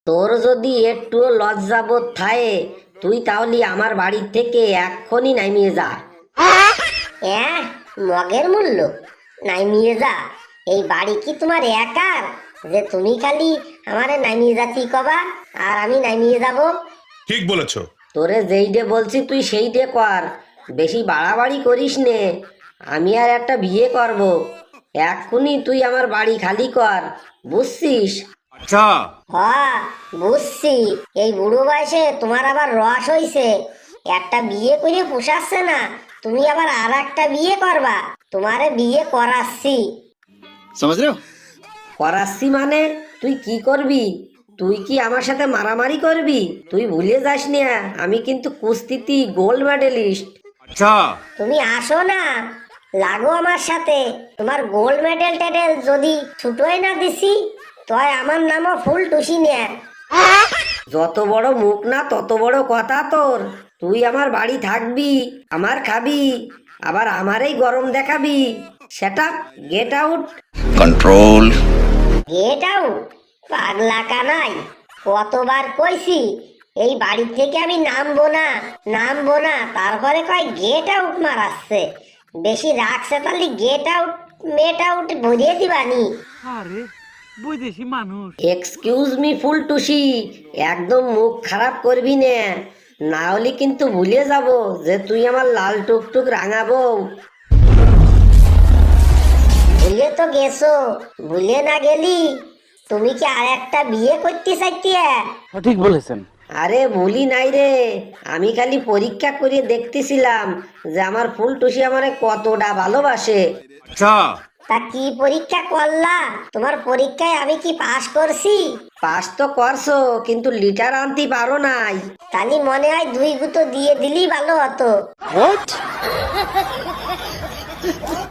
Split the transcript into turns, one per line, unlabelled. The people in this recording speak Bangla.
তোর যদি একটুও লজ্জাবোধ থাকে তুই তাহলে আমার বাড়ির থেকে এক্ষুনি নামিয়ে যা।
হ্যাঁ, মগের মূল্য নামিয়ে যা? এই বাড়ি কি তোমার একার যে তুমি খালি আমারে নামিয়ে যাচ্ছি কবা আর আমি নামিয়ে যাব?
ঠিক বলেছ।
তোরে যেইটে বলছি তুই সেইটে কর, বেশি বাড়াবাড়ি করিস নে। আমি আর একটা বিয়ে করব, এক্ষুনি তুই আমার বাড়ি খালি কর, বুঝছিস?
আচ্ছা,
হ্যাঁ, বুঝছি। এই বুড়ো বয়সে তোমার আবার রস হইছে, একটা বিয়ে করে পোষাচ্ছে না, তুমি আবার আর একটা বিয়ে করবা? তোমারে বিয়ে করাচ্ছি।
समझ रहे हो?
করাচ্ছি মানে তুই কি করবি? তুই কি আমার সাথে মারামারি করবি? তুই ভুলে যাস না আমি কিন্তু কুস্তিতে গোল্ড মেডেলিস্ট।
আচ্ছা,
তুমি আসো না, লাগো আমার সাথে। তোমার গোল্ড মেডেল টেডেল যদি ছুটোই না দিছি, তয় আমার নামও ফুল টুসি নে।
যত বড় মুখ না তত বড় কথা তোর। তুই আমার বাড়ি থাকবি, আমার খাবি, আবার আমারই গরম দেখাবি। সেটা get out.
Control.
Get out? পাগলা কানাই, কতবার কইছি এই বাড়ি থেকে আমি নামবো না, নামবো না, তারপরে কয় গেট আউট মারাচ্ছে। বেশি রাখছে তাহলে গেট আউট মেট আউট ভরিয়ে দিবানি।
আরে বৈদেশি মানুষ।
এক্সকিউজ মি ফুলটুসি, একদম মুখ খারাপ করবি না, না হলে কিন্তু ভুলে যাব যে তুই আমার লাল টুকটুক রাঙা বউ।
ভুলে তো গেছো, ভুলে না গেলি তুমি কি আর একটা বিয়ে করতে চাইতে?
সঠিক বলেছেন।
আরে ভুলি নাই রে, আমি খালি পরীক্ষা করে দেখতেছিলাম যে আমার ফুলটুসি আমারে কতটা ভালোবাসে।
আচ্ছা।
তা কি পরীক্ষা করলা? তোমার পরীক্ষায় আমি কি পাশ করছি?
পাস তো করছো কিন্তু লিটার আনতে পারো নাই।
তাহলে মনে হয় 2 গুঁতো দিয়ে দিলেই ভালো হতো।